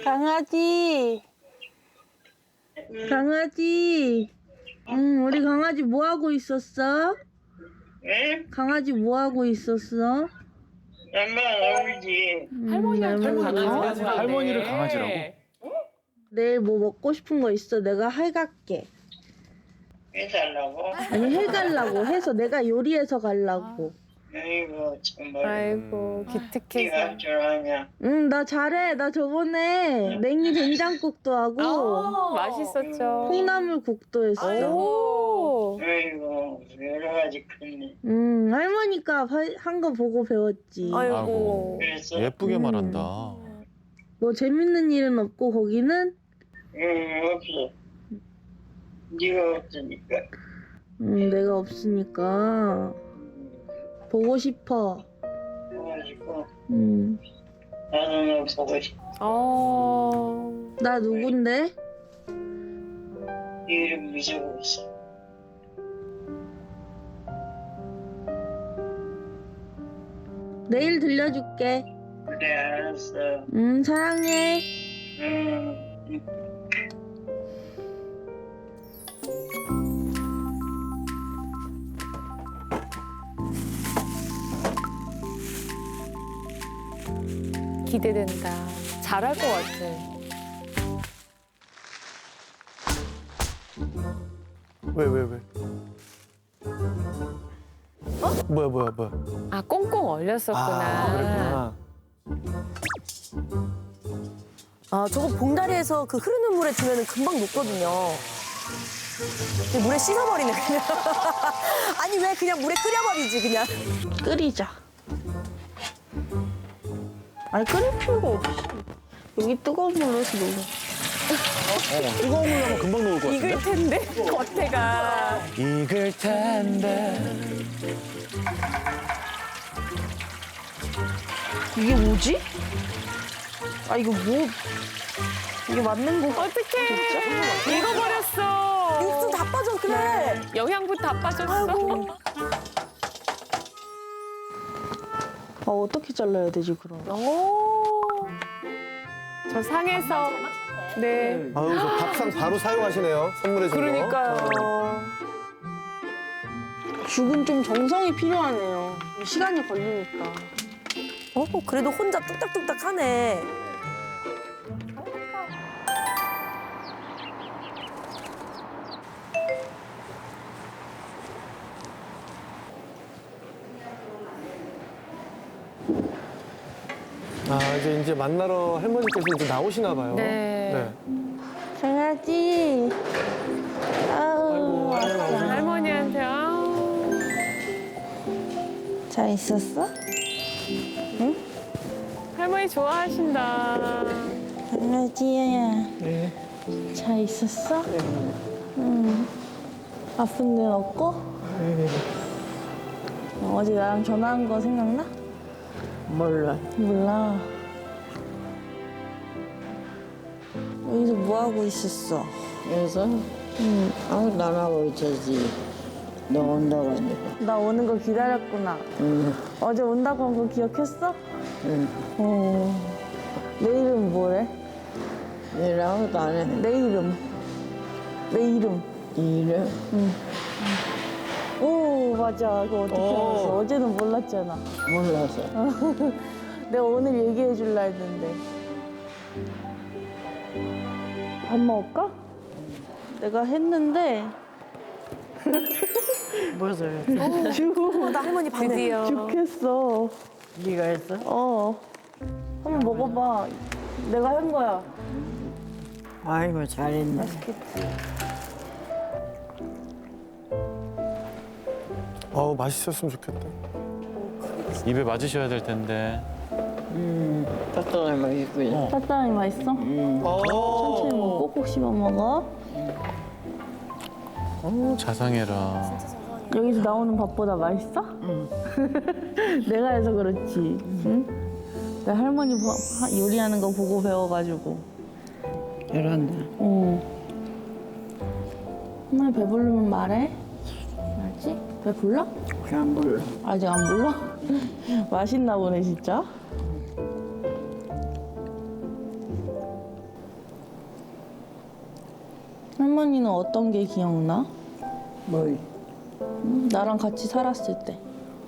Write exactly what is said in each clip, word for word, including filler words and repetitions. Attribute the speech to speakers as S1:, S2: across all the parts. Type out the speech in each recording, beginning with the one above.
S1: 강아지. 강아지. 응, 우리 강아지 뭐 하고 있었어?
S2: 응?
S1: 강아지 뭐 하고 있었어?
S2: 엄마 울지.
S1: 음,
S3: 할머니한테
S1: 할머니.
S3: 강아지라고 하네.
S4: 할머니를 강아지라고?
S1: 내일 뭐 먹고 싶은 거 있어? 내가 해갈게.
S2: 해달라고?
S1: 아니 해갈라고 해서 내가 요리해서 갈라고.
S2: 아이고 정말.
S3: 아이고
S2: 네가
S3: 기특해서.
S2: 할 줄 아냐?
S1: 응, 나 잘해. 나 저번에 냉이 된장국도 하고
S3: 아, 맛있었죠.
S1: 콩나물국도 했어.
S3: 오.
S2: 아이고 여러 가지 크네.
S1: 응, 할머니가 한 거 보고 배웠지.
S3: 아이고.
S2: 그래서
S4: 예쁘게
S1: 음.
S4: 말한다.
S1: 뭐 재밌는 일은 없고 거기는?
S2: 응 없어. 네가 없으니까.
S1: 응, 내가 없으니까 보고 싶어.
S2: 그래가지고
S1: 응.
S2: 나도 너 보고 싶어.
S3: 어.
S1: 나 누군데?
S2: 네 이름 잊어버렸어.
S1: 내일 들려줄게.
S2: 그래 알았어.
S1: 응, 사랑해.
S2: 응.
S3: 기대된다. 잘할 것 같아.
S5: 왜, 왜, 왜? 어? 뭐야, 뭐야, 뭐야.
S3: 아 꽁꽁 얼렸었구나.
S5: 아, 그랬구나.
S6: 아, 저거 봉다리에서 그 흐르는 물에 두면 금방 녹거든요. 근데 물에 씻어버리네, 그냥. 아니, 왜 그냥 물에 끓여버리지, 그냥.
S1: 끓이자. 아니, 끓일 필요가 없이. 여기 뜨거운 물로 해서 녹여.
S4: 어, 뜨거운 물 나면 금방 녹을 것 같은데?
S3: 익을 텐데 겉에가.
S4: 익을 텐데.
S1: 이게 뭐지? 아, 이거 뭐. 이게 맞는 거.
S3: 어떡해. 익어버렸어.
S6: 육수 다 빠져, 그래.
S3: 영양분 다 빠졌어.
S6: 아이고.
S1: 아, 어떻게 잘라야 되지, 그럼?
S3: 오. 저 상에서. 네.
S5: 아유, 저 밥상 바로 사용하시네요. 선물해 준 거.
S3: 그러니까요.
S1: 죽은 좀 정성이 필요하네요. 시간이 걸리니까.
S6: 어, 그래도 혼자 뚝딱뚝딱 하네.
S5: 아, 이제, 이제 만나러 할머니께서 이제 나오시나 봐요.
S3: 네.
S1: 강아지. 아우,
S5: 아이고, 아이고.
S3: 할머니한테 아우.
S1: 잘 있었어?
S3: 할머니 좋아하신다.
S1: 강아지야.
S5: 네.
S1: 잘 있었어? 응. 아픈 데는 없고? 어제 나랑 전화한 거 생각나?
S2: 몰라.
S1: 몰라. 여기서 뭐 하고 있었어?
S2: 그래서
S1: 응.
S2: 아무 나하고 있었지. 너 온다고 하니까.
S1: 나 오는 거 기다렸구나.
S2: 응.
S1: 어제 온다고 한 거 기억했어?
S2: 응.
S1: 어. 내일은 뭐래?
S2: 내일 아무도 안 해.
S1: 내 이름. 내 이름.
S2: 네 이름?
S1: 오, 맞아. 그거 어떻게
S5: 오.
S1: 알았어? 어제는 몰랐잖아.
S2: 몰라서.
S1: 내가 오늘 얘기해 줄라 했는데. 밥 먹을까? 내가 했는데
S2: 무엇을?
S1: 죽,
S6: 나 할머니 밤에.
S3: 드디어.
S1: 죽겠어.
S2: 네가 했어?
S1: 어. 한번 먹어봐. 내가 한 거야.
S2: 아이고 잘했네.
S1: 맛있겠지?
S5: 어우, 맛있었으면 좋겠다.
S4: 입에 맞으셔야 될 텐데.
S2: 음, 떡떡이 맛있고요.
S1: 팥빵이 맛있어? 천천히
S5: 어.
S1: 먹고 꼭꼭 씹어 먹어.
S4: 어, 자상해라.
S1: 여기서 나오는 밥보다 맛있어? 응. 내가 해서 그렇지. 응? 내 할머니 보- 하- 요리하는 거 보고 배워가지고.
S2: 이런다.
S1: 어. 할머니 배부르면 말해. 알지? 배불러?
S2: 안 불러.
S1: 아직 안 불러? 맛있나 보네 진짜. 할머니는 어떤 게 기억나?
S2: 뭐
S1: 응? 나랑 같이 살았을 때.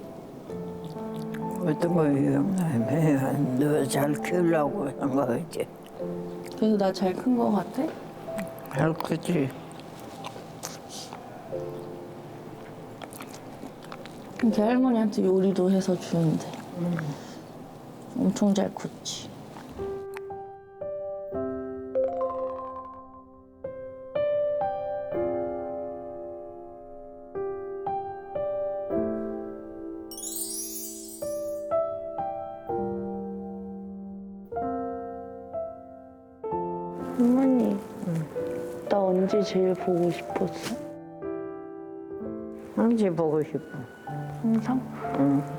S2: 어떤 거예요? 너잘 키우려고 한 거지.
S1: 그래서 나 잘 큰 거 같아?
S2: 잘 크지.
S1: 이렇게 할머니한테 요리도 해서 주는데. 엄청 잘 컸지. 할머니, 나 언제 제일 보고 싶었어?
S2: 언제 보고 싶어?
S1: 항상?
S2: 응.